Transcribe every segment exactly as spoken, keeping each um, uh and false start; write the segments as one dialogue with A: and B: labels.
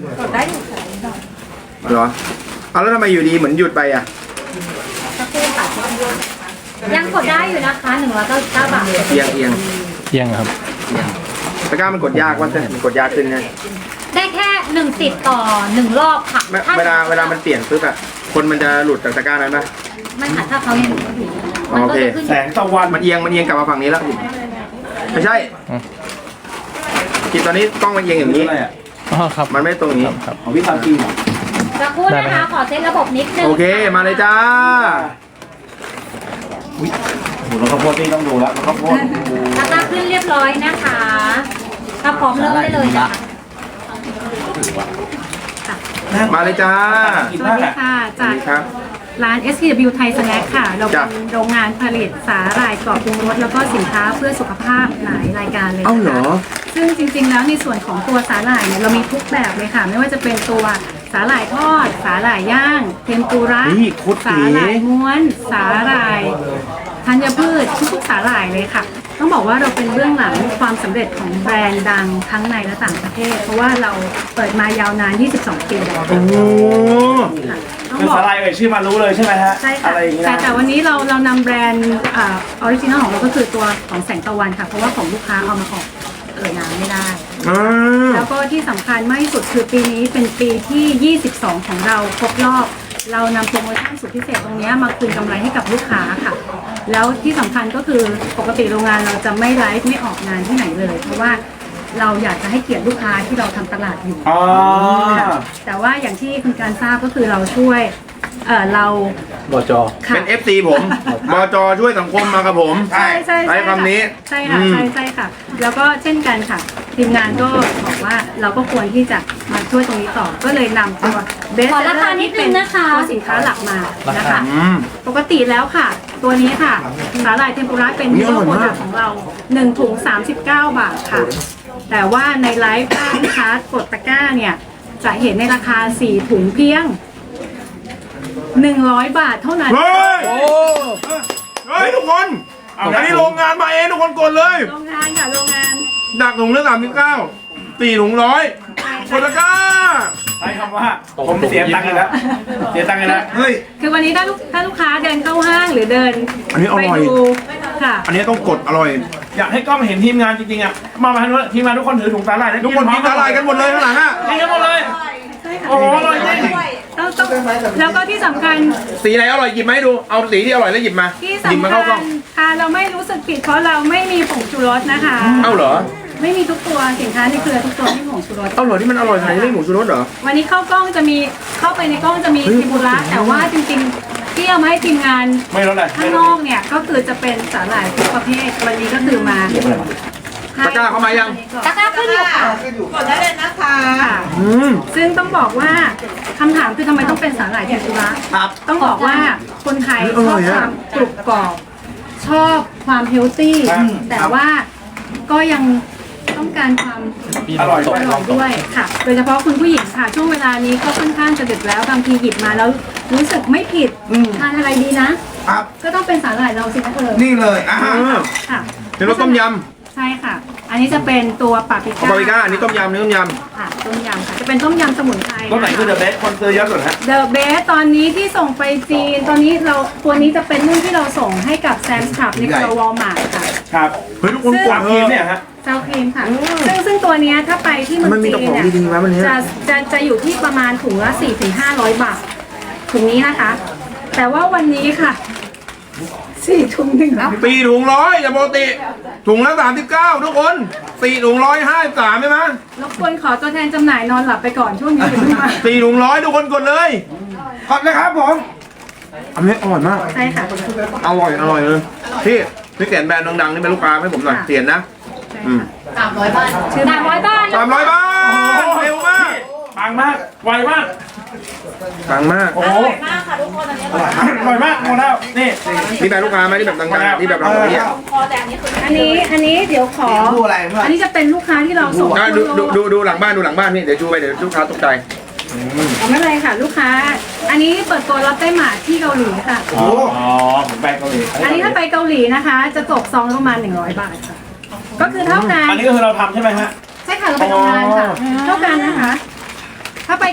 A: กดได้อยู่ค่ะ
B: เหรอเอาแล้วทำไมอยู่ดีเหมือนหยุดไปอ่ะ
A: สักครู่ค่ะยังกดได้อยู่นะคะหนึ่งร้อยเก้าสิบเก้าบาท
B: เอียงเอียง
C: เที่ยงครับ
B: เอียงตะกร้ามันกดยากว่าจะมันกดยากขึ้นไง
A: ได้แค่หนึ่งสิทธิ์ต่อหนึ่งรอบค่ะ
B: ไม่
A: ถ้
B: เวลาเวลามันเปลี่ยนปุ๊บอะคนมันจะหลุดจากตะกร้านั้นปะ
A: ไม่ค่ะถ้าเขายังอยู่
B: อ๋อโอเค
A: ขึ้น
D: แสงตะวัน
B: มันเอียงมันเอียงกลับมาฝั่งนี้แล้วไม่ใช่
C: อืม
B: กินตอนนี้กล้องมันเอียงอย่างนี้
D: อะไรอ่ะ
C: อ๋อครับ
B: มันไม่ตรงนี้
C: ครับ
D: ของพี่ทำจริงเหรอ
A: สักครู่นะคะขอเซตระบบนิดนึง
B: โอเคมาเลยจ้า
D: อุ้ยโหแล้วข้าวโพดนี่ต้องดูแล้วแล้วข้าวโพด
A: ตะกร้าขึ้นเรียบร้อยนะคะ ถ้าพร้อมเริ่มได้เลยนะคะ
B: มาเลยจ้า
D: กิน
E: สวั
D: มา
E: ส
D: ก
E: ดี
D: อ่ะ
E: ค่ะ
B: สวั
E: จา
B: ส
E: ก
B: ดีครับ
E: ร้าน เอส พี ดับเบิลยู Thai Snack ค่ะ เรา
B: จ้ะ
E: เป็นโรงงานผลิตสาหร่ายกรอบปรุงรสแล้วก็สินค้าเพื่อสุขภาพหลายรายการเลย
B: เอ้า
E: นะ
B: เหรอ
E: คะซึ่งจริงๆแล้วในส่วนของตัวสาหร่ายเนี่ยเรามีทุกแบบเลยค่ะ ไม่ว่าจะเป็นตัวสาหร่ายทอด สาหร่ายย่าง เทมปุระ
B: นี่โคตรเก๋
E: สาหร่ายม้วน สาหร่ายธัญพืชทุกๆสาหร่ายเลยค่ะ ต้องบอกว่าเราเป็นเบื้องหลังความสำเร็จของแบรนด์ดังทั้งในและต่างประเทศ เพราะว่าเราเปิดมายาวนาน ยี่สิบสอง ปีแล้ว
B: โอ้โห
E: ค่ะต้อง
D: คือ
E: บอก
D: สาลายเอ่ยชื่อมารู้เลยใช่ไหมฮะ
E: ใช่ค่ะ
D: อะไรอย่างเงี้ย
E: แต่
D: นะ
E: แต่วันนี้เราเรานำแบรนด์ออริจินอลของเราก็คือตัวของแสงตะวันค่ะ เพราะว่าของลูกค้าเอามาออกเอ่ยนามไม่ได้
B: อ่า
E: แล้วก็ที่สำคัญมากที่สุดคือปีนี้เป็นปีที่ ยี่สิบสอง ของเราครบรอบ เรานำโปรโมชั่นสุดพิเศษตรงนี้มาคืนกำไรให้กับลูกค้าค่ะ แล้วที่สำคัญก็คือปกติโรงงานเราจะไม่ไลฟ์ไม่ออกงานที่ไหนเลย เพราะว่าเราอยากจะให้เกียรติลูกค้าที่เราทำตลาดอยู่
D: อ๋อ
E: ค่ะแต่ว่าอย่างที่คุณการทราบก็คือเราช่วยเอ่อเรา
C: บจ
E: ค่ะ
B: เป็น เอฟ ซี ผมบจช่วยสังคมมากับผม
E: ใช่ใช่
B: ใช้คำนี้
E: ใช่ค่ะ
B: อืม
E: ใช่ใช่ค่ะ แล้วก็เช่นกันค่ะ ทีมงานก็บอกว่าเราก็ควรที่จะมาช่วยตรงนี้ต่อ ก็เลยนำตัวเบส
A: ขอราคานิดนึงนะคะ
E: ตัวสินค้าหลักมานะคะ
B: อืม
E: ปกติแล้วค่ะ ตัวนี้ค่ะสาหร่ายเทมปุระเป็น
B: อุ๊
E: ฮี
B: ยอ
E: โร่
B: ร่อย
E: โปร
B: มาก
E: ดักต์ของเราหนึ่งถุงสามสิบเก้าบาทค่ะ แต่ว่าในไลฟ์ถ้าลูกค้ากดตะกร้าเนี่ย จะเห็นในราคาสี่ถุงเพียงหนึ่งร้อยบาทเท่านั้น
B: เฮ้ย
C: โอ้
B: เฮ้ยทุกคนอันนี้โรงงานมาเองทุกคนกดเลย
E: โรงงานค่ะโรงงาน
B: ดักถุงละสามสิบเก้าสี่ถุงร้อยกดตะกร้า
D: ใช้คำว่าผมเสียตังค์อีกแล้วเสียตังค์อีกแล้ว
B: เฮ้ย
E: คือวันนี้ถ้าลูกถ้าลูกค้าเดินเข้าห้างหรือเดิน
B: อันนี้อร่
E: ไป
B: อย
E: ดูค่ะ
B: อันนี้ต้องกดอร่อย
D: อยากให้กล้องเห็นทีมงานจริงๆอ่ะมามาทางนู้นทีมงานทุกคนถือถุงสาหร่ายะ
B: ทุกคนกินอะไรกันหมดเลยข้างหลังอ่ะ
D: กินกันหมดเลยโอ้โหอร่อยจริง
E: ต้องต้องแล้วก็ที่สำคัญ
B: สีไหนอร่อยหยิบมาให้ดู เอาสีที่อร่อยแล้วหยิบมา
E: ที่
B: หยิบ
E: สำ
B: มา
E: คั
B: เข้ากล้
E: ญ
B: อง
E: ค่ะเราไม่รู้สึกผิดเพราะเราไม่มีผงชูรสนะคะ
B: เอ้าเหรอ
E: ไม่มีทุกตัวสินค้าในเครือทุกตัวที่มีผงชูรส
B: เอ้าเหรอที่มันอร่อยขนาดนี้ไม่หมูชูรสเหรอ
E: วันนี้เข้ากล้องจะมีเข้าไปในกล้องจะมี
B: เฮ้ย
E: ทิบุระแต่ว่าจริงๆที่เอามาให้ทีมงาน
D: ไม่รู้เลย
E: ข้างนอกเนี่ยก็คือจะเป็นสาหร่ายทุกประเภทวันนี้ก็คือมา
B: ตะกร้าเข้ามายัง
A: ตะกร้าขึ้นอยู่ค่ะ
F: กดได้เลยนะคะ
E: ค่ะ
B: อืม
E: ซึ่งต้องบอกว่าคำถามคือทำไมต้องเป็นสาหร่ายเทมปุระ
B: ครับ
E: ต้องบอกว่าคนไทย
B: อ
E: ช
B: ร่
E: อ
B: อบ ย
E: ค
B: อะ
E: วามกรุบกรอบชอบความเฮลตี้แต่ว่าก็ยังต้องการความ
D: อร่อย
E: อร่อยด้วยค่ะ โดยเฉพาะคุณผู้หญิงค่ะช่วงเวลานี้ก็ค่อนข้างจะดึกแล้วบางทีหยิบมาแล้วรู้สึกไม่ผิดทานอะไรดีนะครับ ก็ต้องเป็นสาหร่ายเราสิคะเออ
F: นี่เลยอ่ะ
B: เออ
E: ค่ะ
B: เดี๋ยวเราต้มย
E: ใช่ค่ะ อันนี้จะเป็นตัวปาปริ
B: ำ
E: ก้า
B: บาร์บีก้าอันนี้ต้มยำอันนี้ต้มย
E: ค่ะต้มยำค่ะจะเป็นต้มยำสมุนไพร
D: ตัวไหนคือเดอะเบสคนซื้อเยอะสุดฮะ
E: เดอะเบสตอนนี้ที่ส่งไปจีน ตอนนี้เราตัวนี้จะเป็นรุ่นที่เราส่งให้กับแซมส์คลับในเครือวอลมาร์ทค่ะ
D: ครับ
B: ำเฮ้ยทุกคนก
D: ก
B: ด
D: วาง
B: เถ
D: ทีม
B: อะ
D: เนี่ยฮะ
E: เจ้าครีมค่ะ ซึ่งซึ่งตัวเนี้ยถ้าไปที่เมือง
B: มันมี
E: จีน
B: แต่ของ
E: เนี่ย
B: ดีๆนะวันเนี้ย
E: จะจะจะอยู่ที่ประมาณถุงละ สี่ถึงห้าร้อย บาทถุงนี้นะคะ แต่ว่าวันนี้ค่ะสี่ถุงหนึ่งแล้ว
B: สี่ถุงร้อยอย่าปกติถุงละสามสิบเก้าทุกคนสี่ถุงร้อยห้าสิบสามใช่ไหม
E: รบกวนขอตัวแทนจำหน่ายนอนหลับไปก่อนช่วงนี้ถึงมา
B: สี่ถุงร้อยทุกคนกดเลย
F: กดเลยครับผม
B: อันนี้อร่อยมาก
E: ใช่ค่ะ
B: อร่อยอร่อยเลยพี่พี่เขียนแบรนด์ดังๆนี่เป็นลูกค้าให้ผมหน่อย
E: ค่ะ
B: เขียนนะ
E: ใช่
B: อืม
E: ค่ะ
A: สามร้อยบาท
E: ชื่อ
A: สามร้อยบาท
B: สามร้อยบาทเร็วมาก
D: ปังมาก ไวมาก
B: ปังมาก
D: โอ้
A: อ
D: โห
A: ร่อยมากค่ะทุกคนอันนี้อร่อยมาก
D: อร่อยมากหมดแล้ว นี่
B: นี่แบรนด์ลูกค้าไหมที่แบบดังๆที่แบบเราเนี่ย
A: คอแต่อันนี้คือ
E: อันนี้อันนี้เดี๋ยวขอ
F: ดูอะไรเพื่อน
E: อันนี้จะเป็นลูกค้าที่เราส่ง
B: อ่ะดู
E: ทั่ว
B: ดู
E: โลก
B: ดูดูหลังบ้านดูหลังบ้านนี่เดี๋ยวชูไปเดี๋ยวลูกค้าตกใจ
E: อ๋อไม่เป็นไรค่ะ ลูกค้า อันนี้เปิดตัวรับได้หมาที่เกาหลีค่ะ
D: อ๋อผมไปเกาหลี
E: อันนี้ถ้าไปเกาหลีนะคะ จะตกซองละประมาณหนึ่งร้อยบาทค่ะ ก็คือเท่ากัน
D: อันนี้ก็คือเราทำใช่ไหมฮะ
E: ใช่ค่ะเราไปทำงานค่ะ เท่ากันนะคะ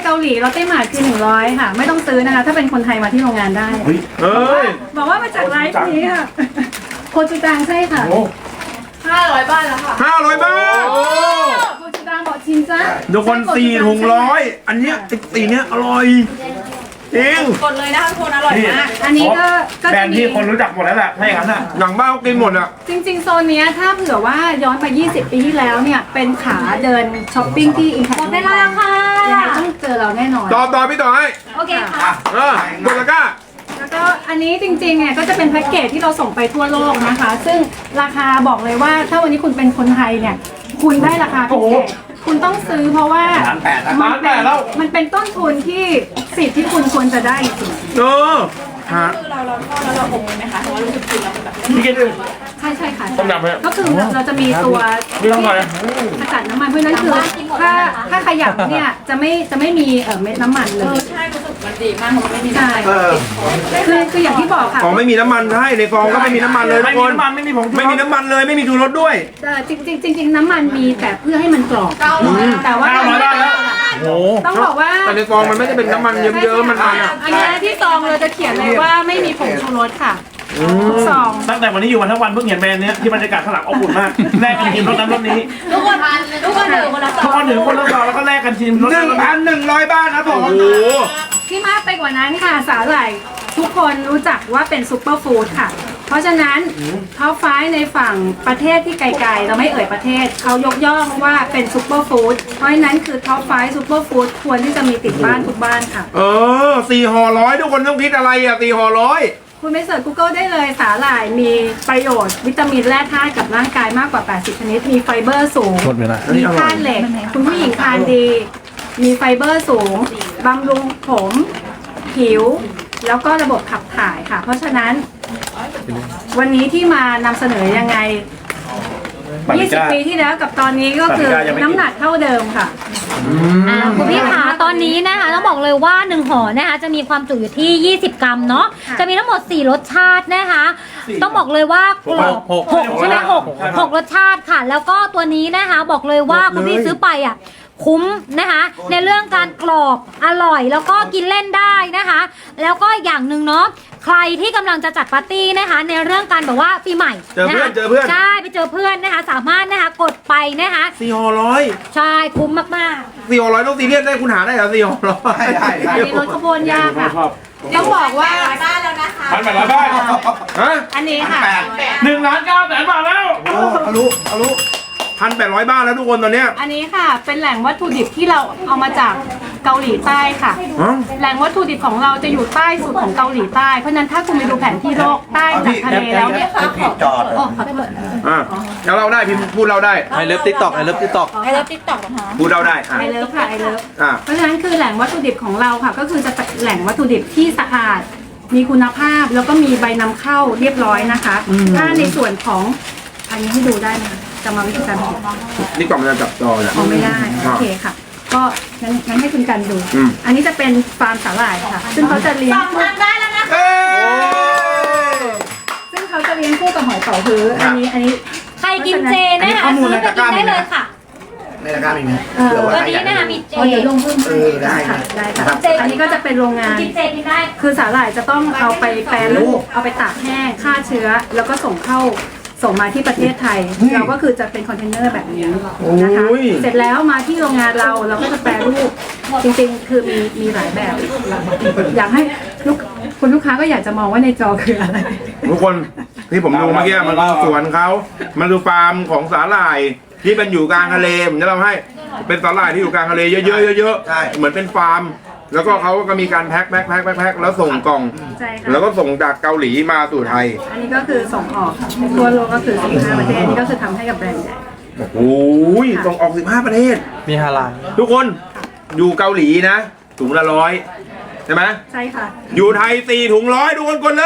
E: เกาหลีเราเต้หมาดคือหนึ่งร้อยค่ะ ไม่ต้องซื้อนะคะ ถ้าเป็นคนไทยมาที่โรงงานได้
B: เอ้ย
E: บอกว่ามาจากไลฟ์นี้ค่ะโคจูจังใช่ค่ะ
F: ห้าร้อยบาทแล้วค่ะ
B: ห้าร้อยบาท
E: โคจูจังบอกชินจ้า
B: ทุกคนสี่ถุงร้อยอันเนี้ยไอ้สีเนี้ยอร่อยจริง
F: กดเลยนะคะทุกคนอร่อยมาก
E: อันนี้ก็ก็
D: แบร
E: จะ
D: นด์
E: มี
D: ที่คนรู้จักหมดแล้วแหละถ้าอย่างนั้นอ่ะ
B: หนังบ้าเขากินหมดอ่ะ
E: จริงๆ โซนเนี้ยถ้าเผื่อว่าย้อนไป ยี่สิบ ปีที่แล้วเนี่ย เป็นขาเดินช้อปปิ้งที่อินแพค
A: หมดเวลาค่ะ
E: ยังไงต้องเจอเราแน่นอน
B: ต่อต่อพี่ต่อให้
A: โอเคค่ะ
B: เออกดตะกร้า
E: แล้วก็อันนี้จริงๆเนี่ยก็จะเป็นแพ็กเกจที่เราส่งไปทั่วโลกนะคะ ซึ่งราคาบอกเลยว่าถ้าวันนี้คุณเป็นคนไทยเนี่ย คุณได้ราคาพิเศษคุณต้องซื้อเพราะว่า
D: ล้านแปดแล้ว
E: มั
D: ล้านแป
E: เป็
D: ด
E: น
D: แล้ว
E: มันเป็นต้นทุนที่สิทธิ์ที่คุณควรจะได้จริง
B: เออฮะ
F: คือเราเราทอดแล้วเราอบไหมคะเพราะว่ารู้สึกกินแล้วมันแบบ
D: พี่กิน
E: ใช่ใช่ค่ะ
D: ต้มยำไหม
E: ก็คือเราจะมีตัว
D: ไม่ต้องหน่อย
E: ขจัดน้ำมันเพราะฉะนั้นคือถ้าถ้าขยับเนี่ยจะไม่จะไม่มีเอ่อเม็ดน้ำมันเล
F: เออย ใช่รู้สึกมันดีมากเพราะมันไม่มี
E: ใช่
B: เออ
E: คือคืออย่างที่บอกค่ะ
B: อ๋อไม่มีน้ำมันให้ในฟองก็ไม่มีน้ำมันเลยทุ
D: ไม่
B: กค
D: มี
B: น
D: น้ำมันไม่มีผงชูรส
B: ไม่มีน้ำมันเลยไม่มีชูรสด้วย
E: เอ่อจริงจริงจริงๆน้ำมันมีแต่เพื่อให้มันกรอบแต่ว่า
D: เก้าร้อยบาทแล้วโอ้
E: ต้องบอกว่า
B: แต่ในฟองมันไม่ได้เป็นน้ำมันเยิ้มๆมันมันอ่ะ
E: อันนี้ที่ซองเราจะเขียนเลยว่าไม่มีผงชูรสค่ะทุกซอง
D: ตั้งแต่วันนี้อยู่มาทั้งวันเพิ่งเห็นแบรนด์เนี้ยที่บรรยากาศข้างหลังอบอุ่นมากแลกกันชิมรสนั้นรสนี้
F: ทุกคนทุกคนถือคนละซ
D: ทุ
F: อก ง
D: คนถือคนละซองแล้วก็แลกกันชิมรส
B: ห
D: นั้
B: นึ่
D: น
B: ง
D: รส
B: พั
D: นี้
B: นหนึ่งร้อยบาทครับผม
E: ที่มากไปกว่านั้นค่ะสาหร่ายทุกคนรู้จักว่าเป็นซูเปอร์ฟู้ดค่ะ เพราะฉะนั้นท็อปไฟว์ในฝั่งประเทศที่ไกลๆเราไม่เอ่ยประเทศเขายกย่องว่าเป็นซูเปอร์ฟู้ดเพราะฉะนั้นคือท็อปไฟว์ซูเปอร์ฟู้ดควรที่จะมีติดบ้านทุกบ้านค่ะ
B: เออสี่ห่อร้อยทุกคนต้องคิดอะไรอ่ะสี่ห่อร้อย
E: คุณไปเสิร์ช Google ได้เลยสาหร่ายมีประโยชน์ วิตามินแร่ธาตุกับร่างกายมากกว่า แปดสิบ ชนิด มีไฟเบอร์สูง มีธาตุเหล็ก คุณผู้หญิงทานดี มีไฟเบอร์สูง บำรุงผม ผิว แล้วก็ระบบขับถ่ายค่ะ เพราะฉะนั้น วันนี้ที่มานำเสนอยังไง ยี่สิบ ปีที่แล้วกับตอนนี้ก็คือน้ำหนักเท่าเดิมค่ะ
A: อ่าคุณพี่ขาตอนนี้นะคะต้องบอกเลยว่าหนึ่งห่อนะคะจะมีความจุอยู่ที่ ยี่สิบ กรัมเนาะ
E: ค่ะ
A: จะมีทั้งหมด สี่ รสชาตินะคะ ต้องบอกเลยว่ากรอบหกใช่ไหมหกหกรสชาติค่ะ แล้วก็ตัวนี้นะคะบอกเลยว่าคุณพี่ซื้อไปอ่ะคุ้มนะคะ ในเรื่องการกรอบอร่อยแล้วก็กินเล่นได้นะคะ แล้วก็อย่างหนึ่งเนาะใครที่กำลังจะจัดปาร์ตี้นะคะ ในเรื่องการแบบว่าปีใหม่
B: เจอเพื่อนะ
A: คะ
B: เจอเพื่อน
A: ใช่ไปเจอเพื่อนนะคะ สามารถนะคะกดไปนะคะ
B: สี่ห่อร้อย
A: ใช่คุ้มมากๆ
B: สี่ห่อร้อยต้องซีเรียสได้คุณหาได้เหรอสี่ห่อร้อย
E: อันนี้รสข้าวโพดย่างค่ะ
D: ชอบ
E: ต้องบอกว่า
F: ร้อยบ้านแล้วนะคะ
D: พันแปดร้อยบาท
B: ฮะ
E: อันนี้ค่ะ
D: หนึ่งล้านเก้าแสนบาทแล้ว
B: ทะลุทะลุพันแปดร้อยบาทแล้วทุกคนตอนเนี้ย
E: อันนี้ค่ะเป็นแหล่งวัตถุดิบที่เราเอามาจากเกาหลีใต้ค่ะ
B: ฮะ
E: แหล่งวัตถุดิบของเราจะอยู่ใต้สุดของเกาหลีใต้ เพราะฉะนั้นถ้าคุณไปดูแผนที่โลกใต้จากทะเลแล้วเนี่ยค่ะจอดโอ้ขอโทษ
B: อ่ะแล้วเราได้พิมพ์พูดเราได้
C: ไอเลิฟติ๊กต็อกไอเลิฟติ๊กต็อก
F: ไอเลิฟติ๊กต็อกนะคะ
B: พูดเราได้อ่ะ
E: ไอเลิฟค่ะไอเลิฟ
B: อ่ะ
E: เพราะฉะนั้นคือแหล่งวัตถุดิบของเราค่ะ ก็คือจะเป็นแหล่งวัตถุดิบที่สะอาด มีคุณภาพแล้วก็มีใบนำเข้าเรียบร้อยนะคะ ถ้าในส่วนของอันนี้ให้ดูได้ไหมคะจะมาวิธีการผลิต
B: นี่กล่องมันจะจับจอเนี่ย
E: เอาไม่ได้โอเคค่ะ ก็งั้นงั้นให้คุณกันดู
B: อืม
E: อันนี้จะเป็นฟาร์มสาหร่ายค่ะ ซึ่งเขาจะเลี้ยง
F: สองพันได้แล้วนะคะ
B: เอ้ย
E: ซึ่งเขาจะเลี้ยงคู่กับหอยเป๋าฮื้ออันนี้อันนี้
A: ใครกินเจนะคะซื้อไปกินได้เลยค่ะ
C: ในราคามีไหม
E: เอ่อ
A: ตัวนี้นะคะมีเจ
E: อ๋อเดี๋ยวลงเพิ่ม
C: เออได้
E: ค่ะได้ค่ะ
C: ครับ
E: อันนี้ก็จะเป็นโรงงาน
A: กินเจกินได้
E: คือสาหร่ายจะต้องเอาไปแปรรูปเอาไปตากแห้งฆ่าเชื้อ แล้วก็ส่งเข้าส่งมาที่ประเทศไทย เราก็คือจะเป็นคอนเทนเนอร์แบบนี้นะคะ
B: โอ้ย
E: เสร็จแล้วมาที่โรงงานเราเราก็จะแปรรูปจริงๆ คือมีมีหลายแบบ อยากให้ลูกคุณลูกค้าก็อยากจะมองว่าในจอคืออะไร
B: ทุกคนที่ผมดูเมื่อกี้มันคือสวนเขามันคือฟาร์มของสาหร่ายที่เป็นอยู่กลางทะเลผมจะเล่าให้เป็นสาหร่ายที่อยู่กลางทะเลเยอะๆเยอะ
C: ใช่
B: ๆเหมือนเป็นฟาร์ม แล้วก็เขาก็มีการแพ็คแพ็คแพ็คแพ็คแพ็คแล้วส่งกล่อง
E: ใช่ค่ะ
B: แล้วก็ส่งจากเกาหลีมาสู่ไทย
E: อันนี้ก็คือส่งออกทั่วโลกก็คือสิบห้าประเทศนี่ก็คือทำให้กับแบรนด์ใหญ่
B: โอ้ยส่งออกสิบห้าประเทศ
C: มีฮาลาล
B: ทุกคนอยู่เกาหลีนะถุงละร้อยใช่ไหม
E: ใช่ค่ะ
B: อยู่ไทยสี่ถุงร้อยทุกคนกดเลย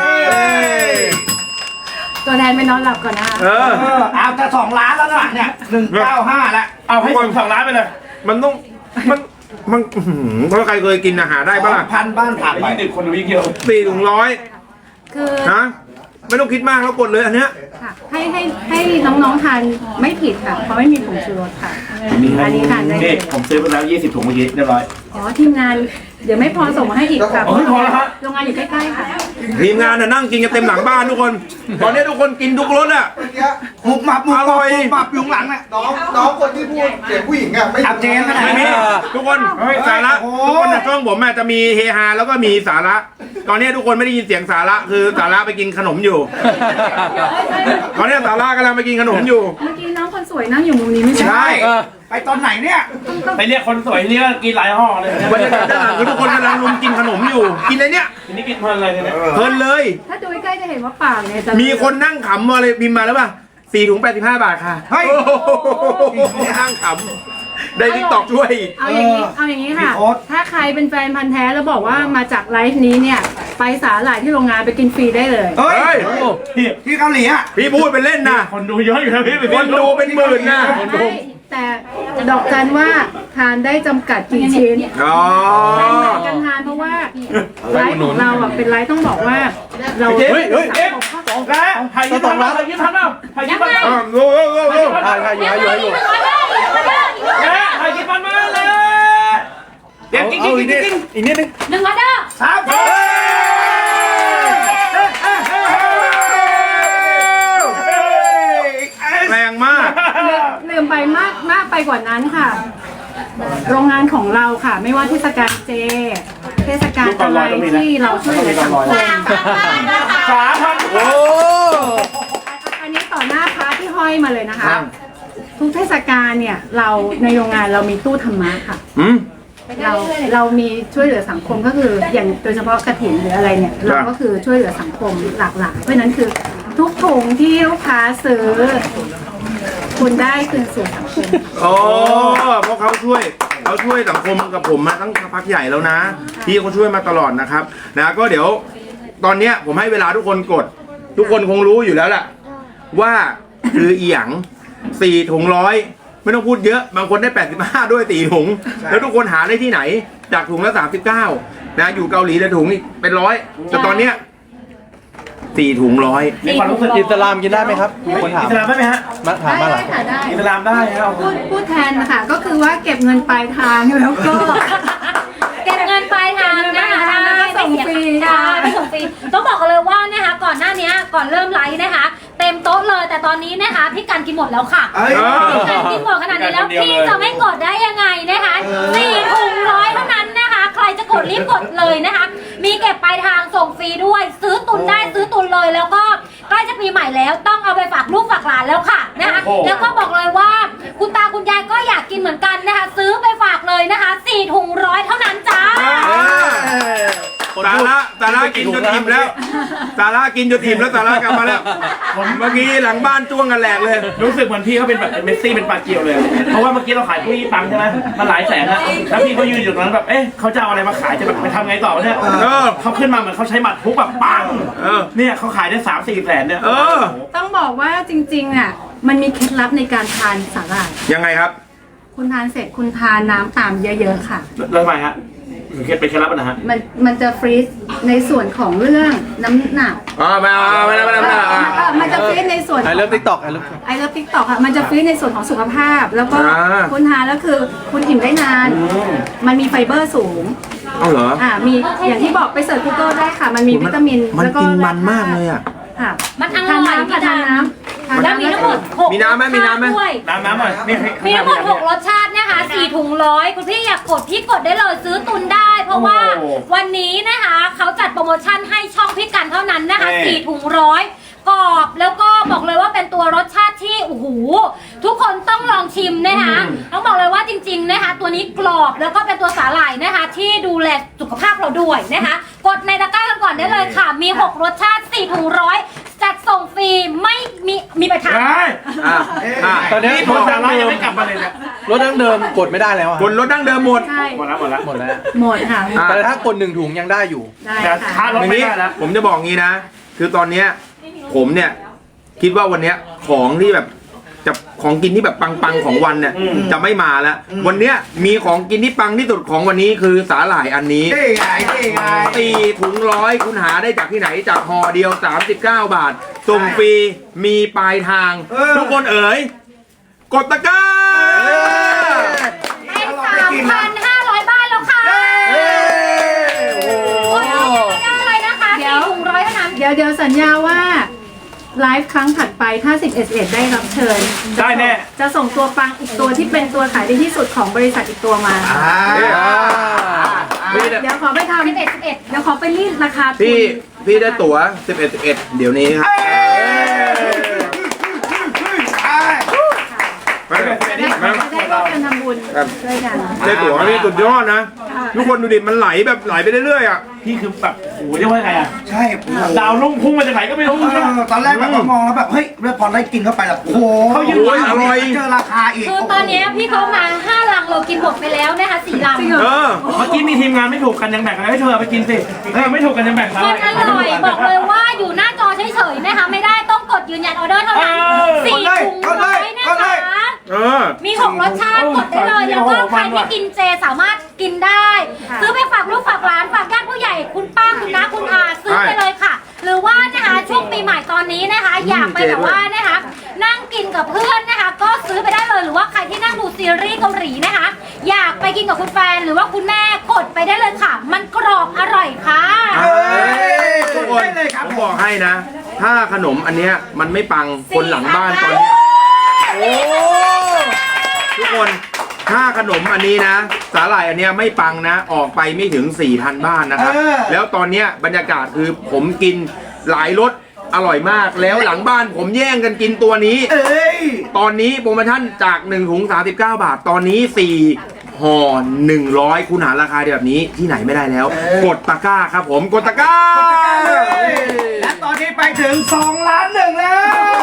E: ตัวแทนไปนอนหลับก่อนนะคะ
B: เออ
C: เออเอาจะสองล้านแล้วนะเนี่ยหนึ่งเก้าห้าแล้ว
D: เอาให้สองล้านไปเลย
B: มันต้องมันมันอื้อหือถ้าใครเคยกินอาหารได้ปะล่ะ
C: พันบ้านผ่านไป
D: ยี่สิบคนดูยิ่งเยอะ
B: สี่ถุงร้อย
E: คือ
B: นะไม่ต้องคิดมากแล้วกดเลยอันเนี้ย
E: ค่ะให้ให้ให้น้องๆทานไม่ผิดค่ะ เพราะไม่มีผงชูรสค่ะ อันนี้ทานได้เล
D: นี่
E: ย
D: ผมซื้อไปแล้วยี่สิบถุงเมื่อกี้เรียบร้อย
E: อ๋อทีมงานเดี๋ยวไม่พอส่งมาให้อีกค่ะ
D: อ๋อไม่พอแล้วฮะ
E: โรงงานอยู่ใกล้ๆค่ะ
B: ทีมงานน่ะนั่งกินกันเต็มหลังบ้านทุกคน ตอนนี้ทุกคนกินทุกรสอ่ะ
C: หมุบหมับหมุบ
B: อร่อย
C: หมุบหมับอยู่ข้างหลังน่ะ
G: น้องน้องคนที่พูดเสียงผู้หญิงอ่ะไม่
C: อับเจนขนาด
B: ไม่มี
C: นี้
B: ทุกคนสาระ
C: โอ้โห
B: ทุกคนนะช่วงผมอะจะมีเฮฮาแล้วก็มีสาระ ตอนนี้ทุกคนไม่ได้ยินเสียงสาระคือสาระไปกินขนมอยู่ ตอนนี้สาระกำลังไปกินขนมอยู่
E: เมื่อกี้น้องคนสวยนั่งอยู่มุมนี้ไม่ใช่
C: ใช่ไปตอนไหนเนี่ย
D: ไปเรียกคนสวยนี่ก็กินหลายห่อเลยนะ
B: บรรยากาศด้านหลังคือทุกคนกำลังรุมกินขนมอยู่ กินอะไรเนี่ย
D: ทีนี้กินเพลินเลยเนี่ย
B: เพลินเลย
E: ถ้าดูใกล้ๆจะเห็นว่าปากเนี่ยจะ
B: มีคนนั่งขำมาเลยพิมพ์มาแล้วป่ะสี่ถุงแปดสิบห้าบาทค่ะ
C: เฮ้ย
B: โอ้โหนั่งขำได้ทิกตอกช่วยอีก
E: เอาอย่างนี้เอาอย่างนี้ค่ะ
C: พี่โอ๊ต
E: ถ้าใครเป็นแฟนพันธ์แท้แล้วบอกว่ามาจากไลฟ์นี้เนี่ยไปสาหร่ายที่โรงงานไปกินฟรีได้เลย
C: เฮ้ย
B: เฮ้ย
D: พี่
C: ที่เกาหลีอ่ะ
B: พี่พูดเป็นเล่นนะ
D: คนดูเยอะอยู่นะพี่
B: คนดูเป็นหมื่นนะ
E: ไม่แต่ดอกจันว่าทานได้จำกัดกี่ชิ้น
B: อ๋อ
E: แบ่งแบ่งกันทานเพราะว่าไลฟ์ของเราอ่ะเป็นไลฟ์ต้องบอกว่าเรา
D: เฮ้ยเฮ้ยเอ๊ะสองแล้วถ่ายยิ้มทันเปล่าถ่ายยิ้มทันเปล่าถ่ายยิ้มทันเปล่า
B: อ่ะดูดูดูดู
C: ถ่ายถ่ายอยู่ถ่ายอยู่ถ่ายอยู่
D: เอ๊ะถ่ายยิ้มทันมาเลยเดี๋ยวกิ๊กกิ๊กกิ๊กกิ๊ก
C: อีกนิดนึง
A: หนึ่งออเดอร์
C: สาม
B: แรงมาก
E: ลืมไปมากมากไปกว่านั้นค่ะ โรงงานของเราค่ะ ไม่ว่าเทศกาลเจ เทศกาลอะไรที่เราช่วยเหลือสังคม
D: สามพัน
C: โอ้
E: อันนี้ต่อหน้าพระที่ห้อยมาเลยนะคะ ทุกเทศกาลเนี่ยเราในโรงงานเรามีตู้ธรรมะค่ะ
B: อืม
E: เราเรามีช่วยเหลือสังคมก็คืออย่างโดยเฉพาะกฐินหรืออะไรเนี่ยเราก็คือช่วยเหลือสังคมหลากหลายเพราะฉะนั้นคือทุกถุงที่ลูกค้าซื้อ คุณได้คืนสู่สังคม
B: โอ้เพราะเขาช่วยเขาช่วยสังคมกับผมมาตั้งพักใหญ่แล้วนะพี่เขาช่วยมาตลอดนะครับนะก็เดี๋ยวตอนเนี้ยผมให้เวลาทุกคนกด ทุกคนคงรู้อยู่แล้วแหละว่าคืออีหยังสี่ถุงร้อยไม่ต้องพูดเยอะบางคนได้แปดสิบห้าด้วยสี่ถุงแล้วทุกคนหาได้ที่ไหนจากถุงละสามสิบเก้านะอยู่เกาหลีเลยถุงนี่เป็นร้อยแต่ตอนเนี้ยสี่ถุงร้อย
D: มีความรู้สึก
C: อิสลามกินได้ไหมครับมีคนถาม
D: อิสลามได้ไหมฮะ
C: มาถามมาหลัง
E: ค่ะได้
D: อิสลามได้ครับ
E: พูดพูดแทนนะคะก็คือว่าเก็บเงินปลายทางแล้วก็
A: เก็บเงินปลายทางนะคะ
E: แล้วก็ส่งฟรี
A: ใช่ไม่ส่งฟรีต้องบอกกันเลยว่านะคะก่อนหน้านี้ก่อนเริ่มไลฟ์นะคะ เต็มโต๊ะเลยแต่ตอนนี้นะคะพี่กันกินหมดแล้วค่ะ
C: เอ้ย
A: พี่กันกินหมดขนาดนี้แล้วพี่จะไม่กดได้ยังไงนะคะสี่ถุงร้อยเท่านั้นนะคะ ใครจะกดรีบกดเลยนะคะ มีเก็บปลายทางส่งฟรีด้วย ซื้อตุนได้ซื้อตุนเลยแล้วก็ใกล้จะปีใหม่แล้วต้องเอาไปฝากลูกฝากหลานแล้วค่ะนะคะแล้วก็บอกเลยว่าคุณตาคุณยายก็อยากกินเหมือนกันนะคะ ซื้อไปฝากเลยนะคะสี่ถุงร้อยเท่านั้นจ้า
B: สาระสาระกินจนอิ่มแล้วสาระกินจนอิ่มแล้วสาระกลับมาแล้วเมื่อกี้หลังบ้านจ้วงกันแหลกเลย
D: รู้สึกเหมือนพี่เขาเป็นแบบเมสซี่เป็นปลาเกียวเลย เพราะว่าเมื่อกี้เราขายผู้ยี่ปังใช่ไหมมันหลายแสนอะแล้วพี่เขายืนอยู่ตรงนั้นแบบเอ๊ะเขาจะเอาอะไรมาขายจะแบบไปทำไงต่อเนี่ย
B: เออ
D: เขาขึ้นมาเหมือนเขาใช้หมัดทุบแบบปัง
B: เออ
D: เนี่ยเขาขายได้สามสี่แสนเนี่ย
B: เออ
E: ต้องบอกว่าจริงๆอ่ะมันมีเคล็ดลับในการทานสาหร่าย
B: ยังไงครับ
E: คุณทานเสร็จคุณทานน้ำตามเยอะๆค่ะ
D: แล้วทำไมฮะเคล็ดเป็นเคล็ดลับนะฮะ
E: มันมันจะฟรีซในส่วนของเรื่องน้ำหนัก
B: อ๋อไม่เอาไม่เอาไม่เอาไม่เอา
E: เออมันจะฟรีซในส่วน
C: ไอเลิฟติ๊กต็อกไอเลิฟ
E: ไอเลิฟติ๊กต็อกค่ะมันจะฟรีซในส่วนของสุขภาพ แล้วก็
B: อ่า
E: คุณทานแล้วคือคุณอิ่มได้นาน มันมีไฟเบอร์สูง
B: เอาเหรอ
E: อ่ามีอย่างที่บอกไปเสิร์ช Google ได้ค่ะ มันมีวิตามิน
B: มัน
E: แล้วก็
B: กินมันมากเลยอ่ะ
E: ค่ะ
A: มันอ
E: ทาน
A: ร่อย
E: น้ำค่ะทานน้ำทาน
A: แล้ว
E: น้ำ
A: มีทั้งหมดหก
B: มีน้ำไหมมีน้ำไหม
A: รสชาติด้วย
D: น้ำน้ำหน่อยนี่ให้
A: มีทั้งหมดหกรสชาตินะคะสี่ถุงร้อยคุณพี่อยากกดพี่กดได้เลยซื้อตุนได้ เพราะว่าวันนี้นะคะเขาจัดโปรโมชั่นให้ช่องพี่กันเท่านั้นนะคะสี่ถุงร้อยกรอบแล้วก็บอกเลยว่าเป็นตัวรสชาติที่โอ้โหทุกคนต้องลองชิมนะคะต้องบอกเลยว่าจริงๆนะคะตัวนี้กรอบแล้วก็เป็นตัวสาหร่ายนะคะที่ดูแลสุขภาพเราด้วยนะคะกดในตะกร้ากันก่อนได้เลยค่ะมีหกรสชาติสี่ถุงร้อยจัดส่งฟรีไม่มีมีไปทาง
D: ใช่
B: อ่ะอ่ะ
C: ตอนนี้
D: นี่
C: ร
D: ผม
C: ถ
D: สา
C: ดั้ง
D: ระ
C: เดิ
D: ยัง
C: ม
D: ไม่กลับมาเลยเนี่ย
C: รถดั้งเดิมกดไม่ได้แล้วอะ
B: คนรถดั้งเดิมหมด
E: ใช่
D: หมดแล้วหมดแล้ว
C: หมดแล้ว
E: หมดค่ะ
B: อ่ะ
C: แต่ถ้ากดหนึ่งถุงยังได้อยู่
E: ได้
D: แต่
E: ค่ะ
D: ค่ารถ
B: อย่าง
D: ไม่
B: นี้
D: ได้แล้ว
B: ผมจะบอกงี้นะ คือตอนเนี้ยผมเนี่ยคิดว่าวันเนี้ยของที่แบบจะของกินที่แบบปังๆของวันเนี่ยจะไม่มาแล้ว วันเนี้ยมีของกินที่ปังที่สุดของวันนี้คือสาหร่ายอันนี้
C: นี่ไงนี่ไง
B: สี่ถุงร้อยคุณหาได้จากที่ไหนจากห่อเดียวสามสิบเก้าบาทส่งฟรีมีปลายทาง
C: เออ
B: ทุกคนเอ๋ยกดตะกร้า
A: ได้สามพันห้าร้อยบาทแล้วค่ะ
E: สัญญาว่าไลฟ์ครั้งถัดไปถ้าสิบเอ็ดเอ็ดได้รับเชิญ
D: ได้แน่
E: จะส่งตัวปังอีกตัวที่เป็นตัวขายดีที่สุดของบริษัทอีกตัวมา
G: อ่า
B: พี่
E: เดี๋ยวขอไปทำ
A: สิบเอ็ดสิบเอ็ด
E: เดี๋ยวขอไปรีดราคาทุ
B: พี่
E: น
B: พี่ได้ตั๋วสิบเอ็ด สิบเอ็ดเดี๋ยวนี้ครับไป
E: จะได้จะได้ร่วมกันทำบุญด้วยกัน
B: ได้ตั๋วนี่สุดยอดนะ ทุกคนดูดิมันไหลแบบไหลไปเรื่อยๆอ่ะ
D: พี่คือแบบโอ้โหเรียกว่าไงอ่ะ
G: ใช่โอ้โห
D: ดาวลุ่งพุ่งมาจากไหนก็ไม่รู้
G: เออตอนแรกแบบว่ามองแล้วแบบเฮ้ยแล้วพอได้กินเข้าไปแบบโอ้โห
D: เขายืน
B: โอ้ยอร่อย
G: เจอราคาอีก
A: คือตอนเนี้ยพี่เขามาห้าลังเรากินหมดไปแล้วนะคะสี่ลัง
B: เออ
D: เมื่อกี้มีทีมงานไม่ถูกกันยังแบ่งอะไรให้เธอเอาไปกินสิเออไม่ถูกกันยังแบ่ง
A: มันอร่อยบอกเลยว่าอยู่หน้าจอเฉยๆนะคะไม่ได้ต้องกดยืนยันออเดอร์เท่านั้นสี่ถุงร้อยนะคะ
B: เออ
A: มีหกรสชาติกดได้เลยแล้วก็ใครที่กินเจสามารถกินได้ ซื้อไปฝากลูกฝากหลานฝากญาติผู้ใหญ่คุณป้าคุณน้าคุณอาซื้อไปเลยค่ะ หรือว่านะคะช่วงปีใหม่ตอนนี้นะคะ อยากไปแบบว่านะคะนั่งกินกับเพื่อนนะคะ ก็ซื้อไปได้เลยหรือว่าใครที่นั่งดูซีรีส์เกาหลีนะคะ อยากไปกินกับคุณแฟนหรือว่าคุณแม่กดไปได้เลยค่ะ มันกรอบอร่อยค่ะ
B: เอ้ยทุกคนผมบอกให้นะ ถ้าขนมอันเนี้ยมันไม่ปังคนหลังบ้านตอนเนี้ยโอ้ทุกคนถ้าขนมอันนี้นะสาหร่ายอันเนี้ยไม่ปังนะ ออกไปไม่ถึง สี่พัน บ้านนะครับ
G: เออ
B: แล้วตอนเนี้ยบรรยากาศคือผมกินหลายรสอร่อยมากแล้วหลังบ้านผมแย่งกันกินตัวนี้
G: เอ้ย
B: ตอนนี้โปรโมชั่นจากหนึ่งถุงสามสิบเก้าบาท ตอนนี้สี่ห่อหนึ่งร้อยคุณหาราคาแบบนี้ที่ไหนไม่ได้แล้ว
G: เออ
B: กดตะกร้าครับผมกดตะกร้า
G: และตอนนี้ไปถึงสองล้านหนึ่งแล้ว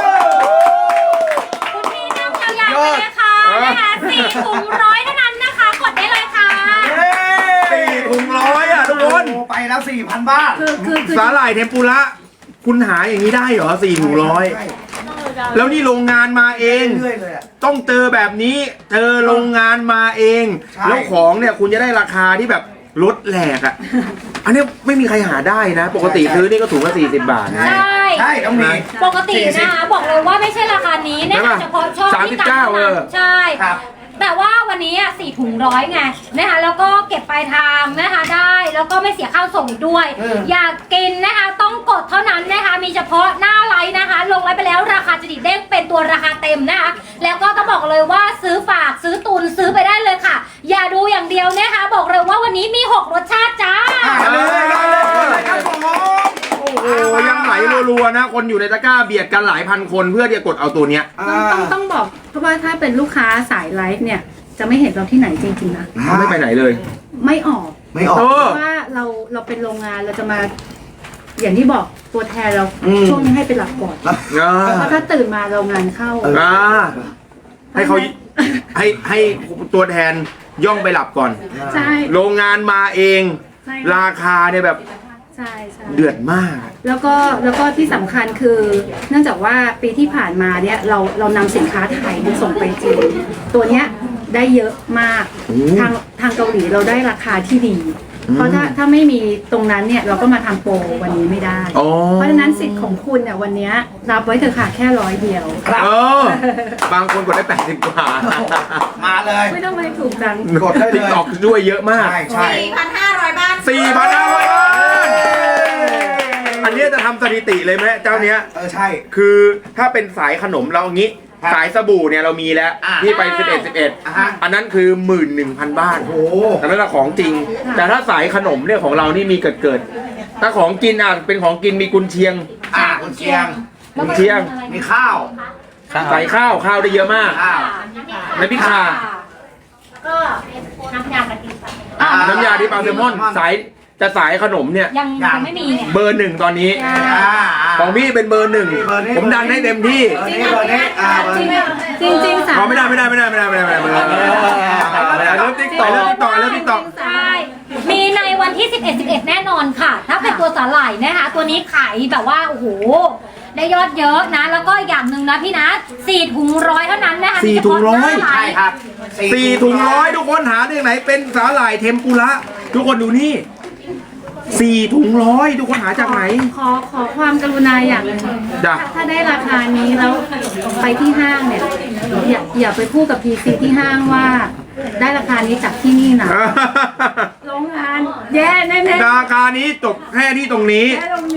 A: คุณพี่นั่งยาวๆไปเลยค่ะนะคะสี่ถุงร้อยเท่านั้นนะคะ กดได้เลยค่ะ
B: สี่ถุงร้อยอ่ะทุกคน
G: โอ้ไปแล้วสี่พันบาท
E: คือคือคือ
B: สาหร่ายเทมปุระคุณหาอย่างนี้ได้เหรอสี่ถุงร้อย
G: ใช่
B: แล้วนี่โรงงานมาเอง
G: เรื่อยๆเลยอะ
B: ต้องเจอแบบนี้เจอโรงงานมาเอง
G: ใช่
B: แล้วของเนี่ยคุณจะได้ราคาที่แบบลดแหลกอ่ะ อันนี้ไม่มีใครหาได้นะ ปกติซื้อนี่ก็ถุงละสี่สิบบาทนะ
A: ใช่
G: ใช่ต้องมี
A: ปกตินะคะบอกเลยว่าไม่ใช่ราคานี้นะ
B: ใช่
A: คะ
B: ปะ
A: เฉพาะช่อง
B: สามสิ
A: ที่
B: บเก้า
A: ต่าง
B: เออ
A: ใช่
G: ครับ
A: แต่ว่าวันนี้อ่ะสี่ถุงร้อยไงนะคะแล้วก็เก็บปลายทางนะคะได้แล้วก็ไม่เสียค่าส่งอีกด้วย
G: เออ
A: อยากกินนะคะต้องกดเท่านั้นนะคะมีเฉพาะหน้าไลน์นะคะ ลงไลน์ไปแล้วราคาจะดิเด้งเป็นตัวราคาเต็มนะคะแล้วก็ต้องบอกเลยว่าซื้อฝากซื้อตุนซื้อไปได้เลยค่ะ อย่าดูอย่างเดียวนะคะบอกเลยว่าวันนี้มีหกรสชาติจ้า
G: ได้เลยได้เลยครับผม
B: โอ้โหยังไหลรัวๆนะ คนอยู่ในตะกร้าเบียดกันหลายพันคนเพื่อที่จะกดเอาตัวเนี้ย
E: ต้องต้องต้องบอกเพราะว่าถ้าเป็นลูกค้าสายไลฟ์เนี่ยจะไม่เห็นเราที่ไหนจริงๆนะ
B: เขาไม่ไปไหนเลย
E: ไม่ออก
G: ไม่ออก
B: เออ
E: เพราะว่าเราเราเป็นโรงงานเราจะมา อย่างที่บอกตัวแทนเรา
G: อืม
E: ช่วงนี้ให้เป็นหลักก่อน
B: อ่า
E: เพราะถ้าตื่นมาโรงงานเข้า
B: อ่าให้เขาให้ให้ตัวแทนย่องไปหลับก่อน
E: ใช่
B: โรงงานมาเอง
E: ใช่
B: ราคาเนี่ยแบบ
E: ใช่ใช่
B: เดือดมาก
E: แล้วก็แล้วก็ที่สำคัญคือ เนื่องจากว่าปีที่ผ่านมาเนี่ยเราเรานำสินค้าไทยมาส่งไปจีนตัวเนี้ยได้เยอะมาก
B: โอ้
E: ทางทางเกาหลีเราได้ราคาที่ดี
B: อืม
E: เพราะถ้าถ้าไม่มีตรงนั้นเนี่ยเราก็มาทำโปรวันนี้ไม่ได้
B: อ๋อ
E: เพราะฉะนั้นสิทธิ์ของคุณเนี่ยวันเนี้ยรับไว้เถอะค่ะแค่ร้อยเดียว
B: เออบางคนกดได้แปดสิบกว่า
G: มาเลย
E: ไม่ต้องไปถูกจัง
G: กดได้เลย
B: ติ๊กตอกด้วยเยอะมาก
G: ใช่ใช่
F: สี่พันห้าร้อยบ้าน
B: สี่พันห้าร้อยบาทอันเนี้ยจะทำสถิติเลยไหมเจ้าเนี้ย
G: เออใช่
B: คือถ้าเป็นสายขนมเราอย่างงี้
G: ครับ
B: สายสบู่เนี่ยเรามีแล้ว
G: อ่า
B: ที่ไปสิบเอ็ด สิบเอ็ด
G: อ่าฮะ
B: อันนั้นคือหมื่นหนึ่งพันบ้าน
G: โอ้
B: อันนั้นละของจริง แต่ถ้าสายขนมเนี่ยของเรานี่มีเกิดเกิดถ้าของกินอ่ะเป็นของกินมีกุนเชียง
G: อ่าคุณเชียง
B: กุนเชียง
G: มีข้าว
B: ใส่ข้าวข้าวได้เยอะมาก
G: ข้าว
B: ในพิซซ่า
A: ก็น้ำยากะทิค่ะ
G: อ่า
B: น้ำยาที่ปลาแซลมอนสายจะสายขนมเนี่ย
A: ยังยังไม่มีเนี่ย
B: เบอร์หนึ่งตอนนี้
G: อ่า
B: ของพี่เป็นเบอร์หนึ่ง
G: เบอร์นี้
B: ผมดันให้เต็มที่
G: เบอร์นี้เบอร์นี้อ่าเบอร์นี้
E: จริงจริงๆสา
B: ขอไม่ได้ไม่ได้ไม่ได้ไม่ได้ไม่ได้ไม่ได้ไม่ได้ไม่ได้เริ่มติ๊กต่อเริ่มติ๊กต่อเริ่มติ๊กต่อ
A: ใช่มีในวันที่สิบเอ็ด สิบเอ็ดแน่นอนค่ะ ถ้าเป็นตัวสาหร่ายนะคะตัวนี้ขายแบบว่าโอ้โหได้ยอดเยอะนะ แล้วก็อย่างหนึ่งนะพี่นะสี่ถุงร้อยเท่านั้นนะคะ
B: สี่ถุงร้อย
A: มีเฉพาะหน้าไล
G: ใช่
A: น์
G: ครับ
B: สี่ถุงร้อยทุกคนหาที่ไหนเป็นสาหร่ายเทมปุระทุกคนดูนี่สี่ถุงร้อยทุกคนหาจากไหน
E: ขอขอความกรุณาอย่างหนึง
B: จ้ะ
E: ถ้าถ้าได้ราคานี้แล้วไปที่ห้างเนี่ยอย่าอย่าไปพูดกับพีซีที่ห้างว่า ได้ราคานี้จากที่นี่นะโรงงานแย่แน่ๆ
B: ราคานี้จบแค่ที่ตรงนี้
E: แย่ตรงนี้นะ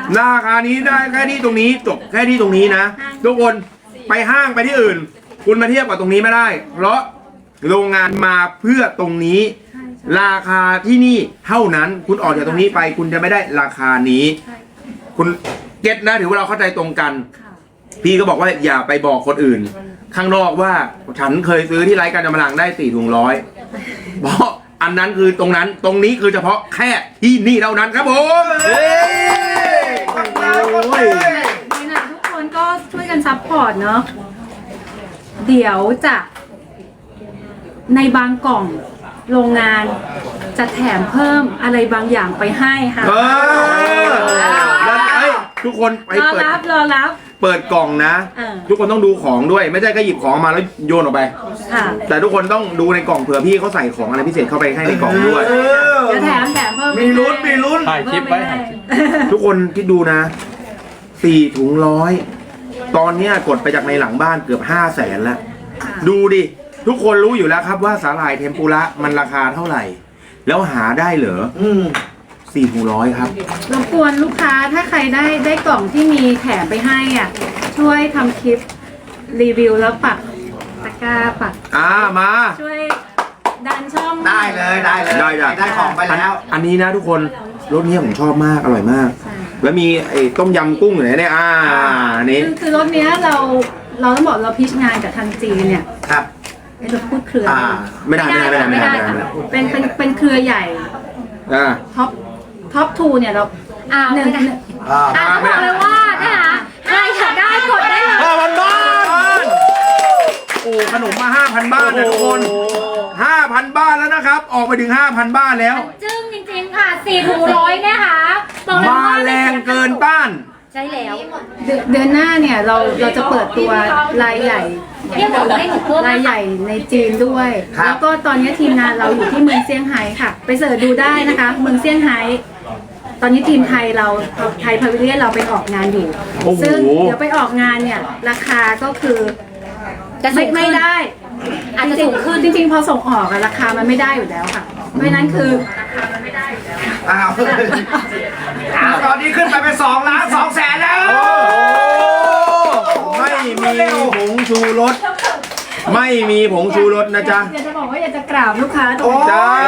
B: ราคานี้ได้แค่ที่ตรงนี้จบแค่ที่ตรงนี้นะทุกคนไปห้างไปที่อื่น คุณมาเทียบกับตรงนี้ไม่ได้ เพราะโรงงานมาเพื่อตรงนี้ ราคาที่นี่เท่านั้นคุณออกจากตรงนี้ไปคุณจะไม่ได้ราคานี้ คุณเก็ตนะถือว่าเราเข้าใจตรงกัน พี่ก็บอกว่าอย่าไปบอกคนอื่น ข้างนอกว่าฉันเคยซื้อที่ไร้การจำลังได้สี่ถุงร้อยเพราะอันนั้นคือตรงนั้นตรงนี้คือเฉพาะแค่ที่นี่เท่านั้นครับผมเฮ้ย
E: นี่นะทุกคนก็ช่วยกันซัพพอร์ตเนาะเดี๋ยวจะในบางกล่องโรงงานจะแถมเพิ่มอะไรบางอย่างไปให้ค่ะ
B: เออแล้วเอ้ยทุกคนไป
E: รอ
B: เปิด
E: รับรอรับ
B: เปิดกล่องนะ
E: เออ
B: ทุกคนต้องดูของด้วยไม่ใช่แค่หยิบของมาแล้วโยนออกไป
E: ค่ะ
B: แต่ทุกคนต้องดูในกล่องเผื่อพี่เขาใส่ของอะไรพิเศษเข้าไปให้ในกล่องด้วย
G: เออ
E: เดี๋ยวแถมแถมเพิ่ม
G: มีลุ้นมีลุ้น
C: ถ่ายคลิปไว้ถ่ายคลิป
B: ทุกคนคิดดูนะสี่ถุงร้อยตอนเนี้ยกดไปจากในหลังบ้านเกือบห้าแสนแล้ว ดูดิ ทุกคนรู้อยู่แล้วครับว่าสาหร่ายเทมปุระมันราคาเท่าไหร่ แล้วหาได้เหรอ
G: อืม
B: สี่ถุงร้อยครับ
E: รบกวนลูกค้าถ้าใครได้ได้กล่องที่มีแถมไปให้อ่ะช่วยทำคลิปรีวิวแล้วปักตะกร้าปัก
B: อ่ามา
E: ช่วยดันช่อง
G: ได้เลยได้เลย
B: ได้จ้ะ
G: ได้ของไปแล้ว
B: อันนี้นะทุกคนรสนี้ผมชอบมากอร่อยมาก แล้วมีไอ้ต้มยำกุ้งอยู่ไหนเนี่ยอ่าอันนี้
E: คือคือรถเนี้ยเราเราต้องบอกเราพิชงานกับทางจีนเนี่ย
G: ครับ
E: ไอ้จะพูดเครือ
G: อ่า
B: ไม่ได้ไม่ได้ไม่ได้ไม่ได้ไม่ได้
E: ค่ะเป็นเป็นเป็นเครือใหญ่
B: อ่า
E: ท็อปท็อปทูเนี่ยเรา
A: อ้าว
E: หนึ่ง
A: ไม่ได้
G: อ่า
A: อ่ะต้องบอกเลยว่านะคะใครอยากได้กดได้เลย
B: ห้าพันบ้านโอ้ขนมมาห้าพันบ้านนะทุกคนห้าพันบ้านแล้วนะครับ ออกไปถึงห้าพันบ้านแล้ว
A: จึ้งจริงๆค่ะสี่ถุงร้อยนะคะบอกเลย
B: มา
A: ว่า
B: แรงเกินต้าน
A: ใช่แล้ว
E: เดือนเดือนหน้าเนี่ยเราเราจะเปิดตัวรายใหญ่
A: เรียกหนูให้หนูเพิ่ม
E: รายใหญ่ในจีนด้วย
G: ครับ
E: แล้วก็ตอนนี้ทีมงานเราอยู่ที่เมืองเซี่ยงไฮ้ค่ะ ไปเสิร์ชดูได้นะคะ เมืองเซี่ยงไฮ้ตอนนี้ทีมไทยเราไทยพาวิเลียนเราไปออกงานอยู่
B: โอ้โห
E: ซึ่งเดี๋ยวไปออกงานเนี่ยราคาก็คือ
A: จะสู
E: ไม่
A: งขึ้น
E: ไม่ได้
A: อาจจะสูงขึ้น
E: จริงๆพอส่งออกอะราคามันไม่ได้อยู่แล้วค่ะ เพราะฉะนั้นคือ
G: อ้าวอ้าวตอนนี้ขึ้นไปเป็นสองล้านสองแสนแล้ว
B: ไม่มีผงชูรสไม่มีผงชูรสนะจ๊ะ
E: อยากจะบอกว่าอยากจะกราบลูกค้าตรง
G: โอ้
E: นี้
B: จ้า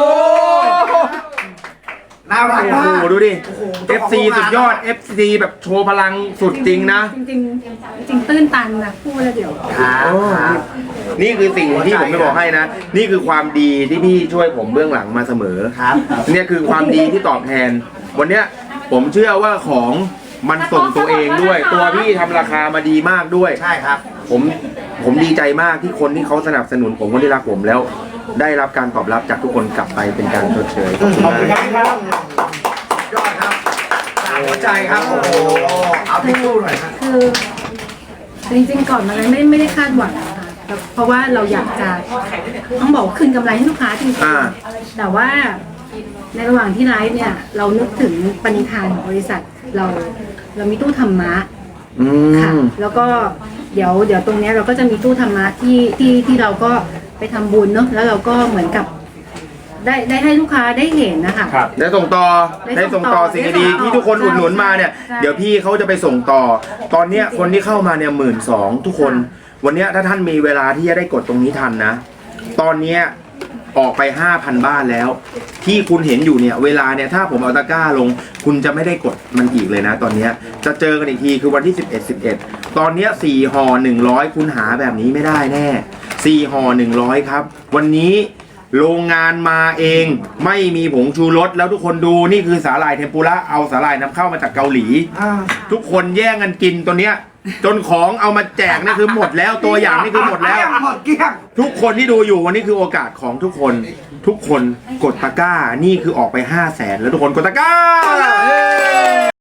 G: น่ารัก
B: โอ้
G: มาก
B: โหดูดิ เอฟ ซี สุดยอด เอฟ ซี แบบโชว์พลังสุดจริงนะ
E: จริงๆจริงๆตื้นตันนะพูดแล้วเดี๋ยว
G: ครับ
B: โอ้นี่คือสิ่งที่ผมไม่บอกให้นะ นี่คือความดีที่พี่ช่วยผมเบื้องหลังมาเสมอ
G: ครับ
B: เนี่ยคือความดีที่ตอบแทน วันเนี้ยผมเชื่อว่าของมันส่งตัวเองด้วย ตัวพี่ทำราคามาดีมากด้วย
G: ใช่ครับ
B: ผมผมดีใจมากที่คนที่เขาสนับสนุนผมคนที่รักผมแล้ว ได้รับการตอบรับจากทุกคนกลับไปเป็นการชดเชยขอบคุณ
G: ขอบคุณ
B: มาก
G: ครับยอดครับจากหัวใจครับ โอ้โห เอาทิชชู่หน่อยครับ
E: คือจริงๆก่อนมาเลยไม่ไม่ได้คาดหวังนะคะแต่เพราะว่าเราอยากจะต้องบอกว่าคืนกำไรให้ลูกค้าจริง
B: อ่า
E: ๆแต่ว่าในระหว่างที่ไลฟ์เนี่ย เรานึกถึงปณิธานของบริษัทเราเรามีตู้ธรรมะ
B: อื
E: ค่ะ
B: ม
E: แล้วก็เดี๋ยวเดี๋ยวตรงเนี้ยเราก็จะมีตู้ธรรมะที่ที่ที่เราก็ไปทำบุญเนาะแล้วเราก็เหมือนกับ ได้ได้ให้ลูกค้าได้เห็นนะคะ
B: ได้ส่งต่อ
E: ได้
B: ได้
E: ส่
B: ส่ง
E: งต่
B: ต่อ
E: อ
B: สิ่ง
E: ได้
B: ดี
E: ส่งต่อ
B: ๆที่ทุกคนอุดหนุนมาเนี่ย
E: ใช่
B: เดี๋ยวพี่เขาจะไปส่งต่อ ตอนเนี้ยคนที่เข้ามาเนี่ยหมื่นสองทุกคน วันเนี้ยถ้าท่านมีเวลาที่จะได้กดตรงนี้ทันนะ ตอนเนี้ยออกไปห้าพันบ้านแล้ว ที่คุณเห็นอยู่เนี่ยเวลาเนี่ยถ้าผมเอาตะกร้าลง คุณจะไม่ได้กดมันอีกเลยนะ ตอนเนี้ยจะเจอกันอีกทีคือวันที่สิบเอ็ด สิบเอ็ดตอนเนี้ยสี่ห่อหนึ่งร้อยคุณหาแบบนี้ไม่ได้แน่สี่ห่อหนึ่งร้อยครับ วันนี้โรงงานมาเองไม่มีผงชูรสแล้วทุกคนดูนี่คือสาหร่ายเทมปุระเอาสาหร่ายนำเข้ามาจากเกาหลี
G: อ่า
B: ทุกคนแย่งกันกินตัวเนี้ย จนของเอามาแจกนี่คือหมดแล้วตัวอย่างนี่คือหมดแล้ว
G: หมดเกลี้ยง
B: ทุกคนที่ดูอยู่วันนี้คือโอกาสของทุกคน ทุกคนกดตะกร้านี่คือออกไปห้าแสนแล้วทุกคนกดตะกร้า